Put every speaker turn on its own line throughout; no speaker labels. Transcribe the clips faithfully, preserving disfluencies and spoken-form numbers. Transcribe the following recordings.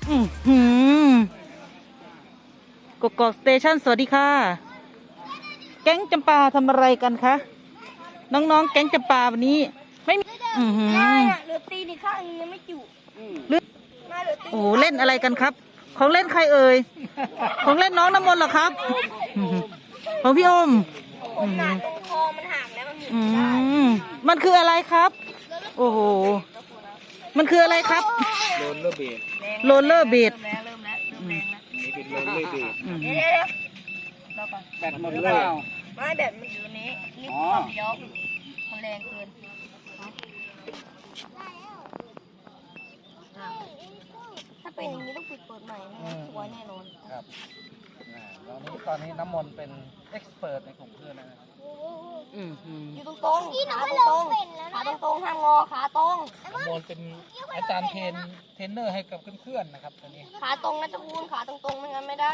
อืมหืมกกอกสเตชันสวัสดีค่ะ แก๊งจำปาทำอะไรกันคะ น้องๆ แก๊งจำปาวันนี้ ไม่มีอือหือ
ได้อะเหลือตีนอีกข้างนึงยังไม่จุ
หรือ
มาเหลือตี
โอ้โหเล่นอะไรกันครับ ของเล่นใครเอ่ย ของเล่นน้องน้ำมนต์เหรอครับอื้อหือของพี่อม
ผม
อื้อ
หนา
หือ
ตรงคอมันห่างแล้วมันหมุน
อื
ไม่ได้
มมันคืออะไรครับ โอ้โห มันคืออะไรครับ
โรลเลอร์เบด
โรลเลอร์เบด
เริ่มแล้วเริ่มแล้วเริ่มแรงแล้ว
นี่เป็นโรลเลอร์เบด
อืม
เดี๋ยวเดี๋ยวเดี๋ยวรอก่อน
แบตหมดหรือเปล่า
ไม่แบบมันอยู่นี้นี่ความเลี้ยวมันแรงเกินถ้าเป็นอย่างนี้ต้องปิดเปิดใหม่นะสวยแน่นอน
ครับอ่าตอนนี้ตอนนี้น้ำมนต์เป็นเอ็กซ์เพรสในกลุ่มเพื่อนแล้วนะครับ
อืมอืม
อยู่ตรงตรงขาตรงตรงขาตรงตรงห้ามงอขาตรง
น้ำมนต์เป็นอาจารย์เทรนเทรนเนอร์ให้กับเพื่อนๆนะครับตอนนี้
ขาตรงนะจะคูณขาตรงตรงไม่งั้นไม่ได้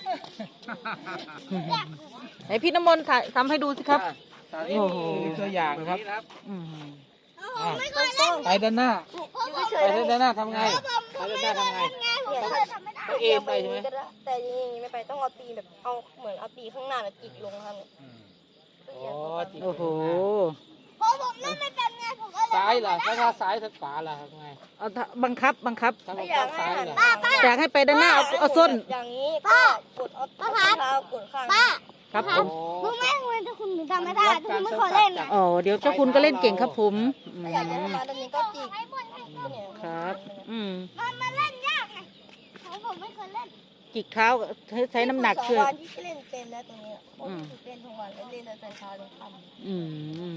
ไหนพี่น้ำมนต์ถ่ายทำให้ดูสิครับ
ตอนนี้
โอ้โห
มีตัวอย่างนะครับ
อืม
อ่า
ตรงตรง
ไปด้านหน้า
อยู่เฉ
ไป
ยๆ
ด้านหน้าทำไงไปด้านหน้าทำไง ต้องเอ็นไปใช่ไหม
แต่อยังนี้ไม่ไปต้องเอาตีแบบเอาเหมือนเอาตีข้างหน้าแบบจิกลงครับ
อืมโอ้จริง
โอ้โห
เพราะผมนั่นไม่เป็นไงผมก็เลย
ซ้ายล่ะถ้าว่าซ้ายถ้าขวาล่ะทำไง
เอาถ้าบังคับบังคับ
ถ้า
ไม่
เรา
อยาก
ซ้า
ให้
ย
หัน
ล่ะ
อยากให้ไปด้านหน้าเอาเอาส้น
อย่างนี้ก็กดเอาเอาเท้ากดข้าง
ครับผม
มึงแม่งเลยถ้าคุณหนูทำไม่ได้ถ้าคุณไม่ขอเล่นนะ
อ๋อเดี๋ยวเจ้าคุณก็เล่นเก่งครับผมอื
ถ้าอยากจะให้
ม
มาตรงนี้ก็จิกเนี่ย
ครับ อืม
มันมาเล่นยากไงผมผมไม่เคยเล่น
จิกเท้าใช้ใช้น้ำหนักช่วย
สองวันที่เล่นเป็นแล้วตรงนี้ผมฝึกเล่นทุกวันแล้วเล่นแต่เช้าจนค่ำ
อืม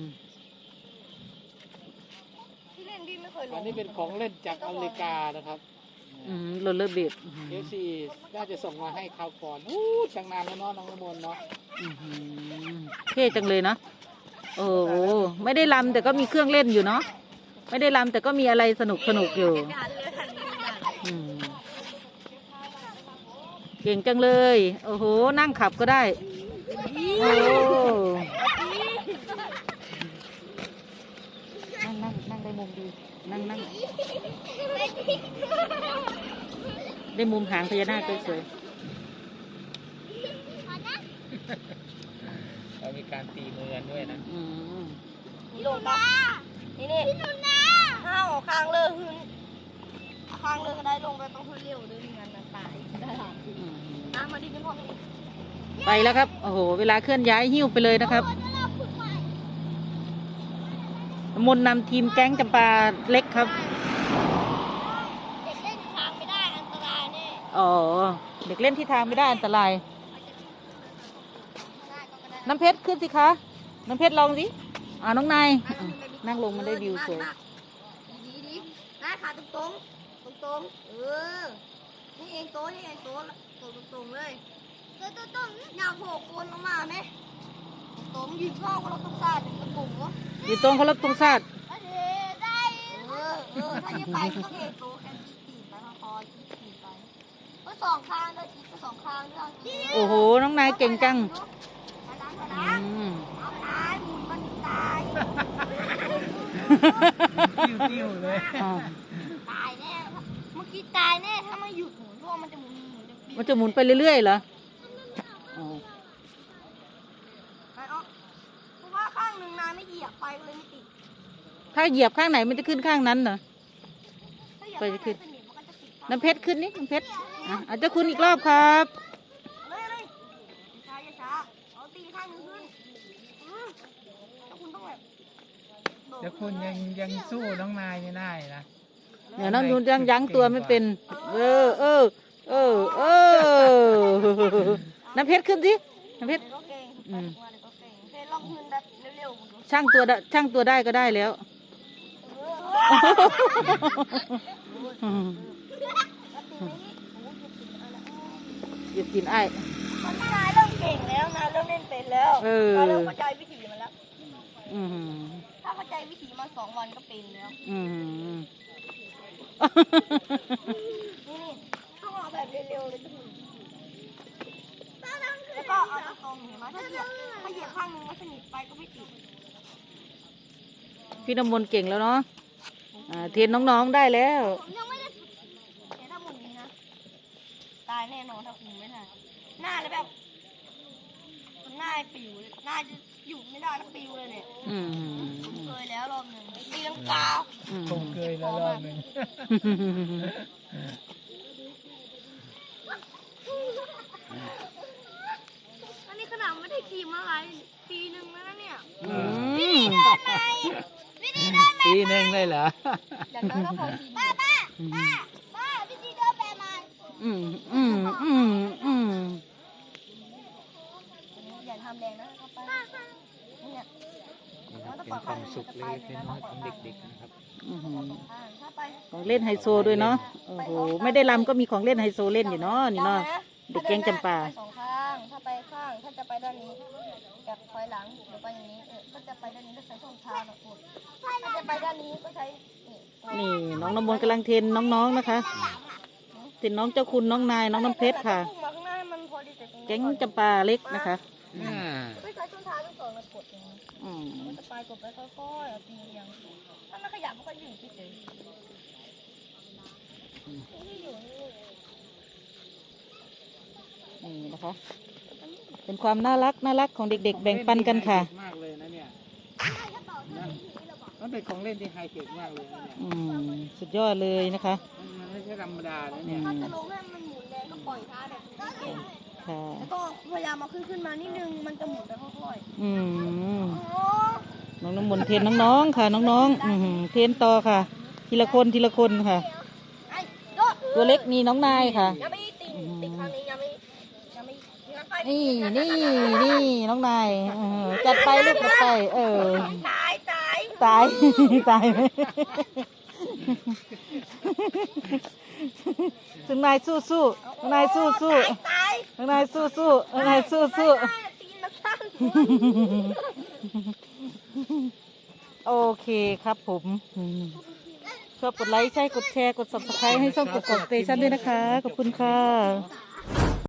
ที่เล่นพี่ไม่เคยล
อัน
ง
นี้เป็นของเล่นจากอเมริกานะครับ
อืมโรลเลอร์เบด
เอฟซีน่าจะส่งมาให้คราวก่อนอู้ตั้งนานแล้วเนาะน้องน้ำมนต์เนาะ
เท่จังเลยเนาะโอ้โหไม่ได้ลำแต่ก็มีเครื่องเล่นอยู่เนาะไม่ได้ลำแต่ก็มีอะไรสนุกสนุกอยู่อืมเก่งจังเลย โอ้โหนั่งขับก็ได้โอ้นั่งนั่งนั่งได้มุมดีนั่งนั่งได้มุมหางพญานาคสวย
เรามีการตีมือกันด้วยนะ
ๆอืม
นี่ลงปะนี่นี่พี่นุนนะห้าวเอาคางเลยหืนเอาคางเลยก็ได้ลงไปต้องหืนเร็วด้วยไม่งั้นนะตายได้หรอ
อืม
น้ำมาดิเป็นพ่อ
ไปแล้วครับโอ้โหเวลาเคลื่อนย้ายหิ้วไปเลยนะครับมนต์นำทีมแก๊งจำปาเล็กครับ
เด็กเล่นคางไม่ได้อันตรายแน่
อ๋อเด็กเล่นที่ทางไม่ได้อันตราย
ได้ก็ได้
น้ำเพชรขึ้นสิคะ น้ำเพชรลองสิอ่าน้องนายอ่ะนั่งลงมันได้วิวสวย
ดีดีได้ขาตรงตรงตรงตรงเออนี่เองโต๊ะนี่เองโต๊ะโต๊ะตรงเลยโต๊ะตรงอยากโผล่โคนลงมาไหมโต๊ะยืนเข้าก็เราต้องซาดตะปุ่มวะ
อยู่ตรงเคารพตรงชาติ
ได้เออเออถ้าจะไปก็ต้องเองโต๊ะแค่จีจีไปพอจีจีไปก็สองข้างเลยจีก็สองข้างด้วย
โอ้โห น้องนายเก่งจัง
ไปล้างไป
อื
ล้าง
ม
เอาตายหมุนมันตาย
ติ้วๆเลย
อ๋อ
ตายแน่เมื่อกี้ตายแน่ถ้าไม่หยุดหมุนเพราะมันจะหมุนหมุนจะปี
มันจะหมุนไปเรื่อยๆเหรออ๋อ
ไปเอาเพราะว่าข้างหนึ่งนายไม่เหยียบไปก็เลยไม่ติด
ถ้าเหยียบข้างไหนมันจะขึ้นข้างนั้นเหรอ
ถ้าเหยียบ
ไป
ข้าง
ขึ้
ไหน
น
สนิทมันก็จะติด
น้ำเพชรขึ้นนี่น้ำเพชรอ่ะอาจจะคุณอีกรอบครับ
เลยเลยช้าช้าเอาตีข้างหนึ่งขึ้นอืมแล้วคุณต้องแบบโดด
แต่คุณยังยังสู้น้องนายไม่ได้นะ
เดี๋ยวน้องนูนยังยั้งตัวไม่เป็น เออ เออ เออ เออ น้ำเพชรขึ้นสิ น้ำเพชร
เดี๋ยวก็เก่ง
อืม
เดี๋ยวก็เก่งเพลลองขึ้นแบบเร็วๆคุณดู
ช่างตัวได้ช่างตัวได้ก็ได้แล้ว อืม หยุดกินไอ้
ตอนนี้นายเริ่มเก่งแล้วนายเริ่มเล่นเป็นแล้ว
เออ
นายเริ่มเข้าใจวิถีมันแล้ว
อืม
ถ้าเข้าใจวิถีมาสองวันก็เป็นแล้ว
อืม
นี่นี่ต้องเอาแบบเร็วๆเลยทุกคนแล้วก็เอาตรงๆเห็นไหมถ้าเหยียบถ้าเหยียบข้างนึงมันสนิทไปก็ไม่ติด
พี่น้ำมนต์เก่งแล้วเนาะอ่าเทรนน้องๆได้แล้ว
ผมยังไม่ได้ฝึกแต่ถ้าหมุนนี้นะายแน่นอนถ้าคุมไม่ได้หน้าเลยแบบหน้าปิวเลยหน้าจะอยู่ไม่ได้แล้วปิวเลยเนี่ย
อืม
เคยแล้วรอบหนึ่งตีลังกา
อืม
คงเคยแล้วรอบหนึ่ง
อันนี้ขนาดไม่ได้ขี่มาหลายปีหนึ่งแล้วนะเนี่ย
อืม
วิธีเดินแบบ
ปีหนึ่งเลยเหรอ
อย่างน้อยก็พอขี่ป้าป้าป้าป้าวิธีเดินแบบมัน
อืมอืมอืมอืม
อย่าทำแรงนะเข้าไปเนี่ย
เป็นความสุขเล็กๆน้อยๆของเด็กๆนะครับ
อืม
เข้าไป
ของเล่นไฮโซด้วยเนาะโอ้โหไม่ได้ลำก็มีของเล่นไฮโซเล่นอยู่เนาะนี่เนาะ เด็กแก๊งจำปา
ไปสองข้างถ้าไปข้างถ้าจะไปด้านนี้แบบถอยหลังหรือไปอย่างนี้เออถ้าจะไปด้านนี้ก็ใช้ส้นเท้าหน่อยพูดถ้าจะไปด้านนี้ก็ใช้นี่
นี่น้องน้ำมนต์กำลังเทรนน้องๆนะคะเทรนน้องเจ้าคุณน้องนายน้องน้ำเพชรค่ะ
พุ่งมาข้างหน้าให้มันพอดีแต่ตรงนี้
แก๊งจำปาเล็กนะคะ
อ่า
ไม่ใช้ส้นเท้าทั้งสองแล้วกดอย่างนี้
อืม
มันจะไปกดไปค่อยๆเอาตีเรียงถ้าไม่ขยับมันก็อยู่เฉยๆที่อยู่นี่
นี่นะคะ เป็นความน่ารักน่ารักของเด็กๆ แบ่งปันกันค่ะ
มากเลยนะเนี่ยนะมันเป็นของเล่นที่ไฮเทคมากเลยนะเนี่ย
อืมสุดยอดเลยนะคะ
มันมันไม่ใช่ธรรมดานะ
อื
เนี่ย
ม
ถ้าจะลงให้มันหมุนแรงก็ปล่อยเท้าแบบเก่ง
ค่ะ
แล้วก็พยายามเอาขึ้นขึ้นมานิดนึงมันจะหมุนไปค่อย
อืม
ๆอ๋อ
น้องน้ำมนต์เทรนน้องๆค่ะ น้องๆอืมเทรนต่อค่ะ ทีละคนทีละคนค่ะ
ไอ้โดด
ตัวเล็กนี่น้องนายค่ะ
ยังไม่ตีนติดครั้งนี้ยังไม่ยังไม่ยังไป
นี่นี่นี่น้องนายเออจัดไปลูกจัดไป เออ
ตายตาย
ตาย ตายไหมถึงนายสู้สู้น้องนายสู้สู้
ตาย
น้องนายสู้สู้น้องนายสู้สู้
ตายตีนมาสั้น
โอเคครับผมอืมชอบกดไลค์ใช่กดแชร์กด ซับสไครบ์ ให้ช่องกดกดสเตชันด้วยนะคะ ขอบคุณค่ะ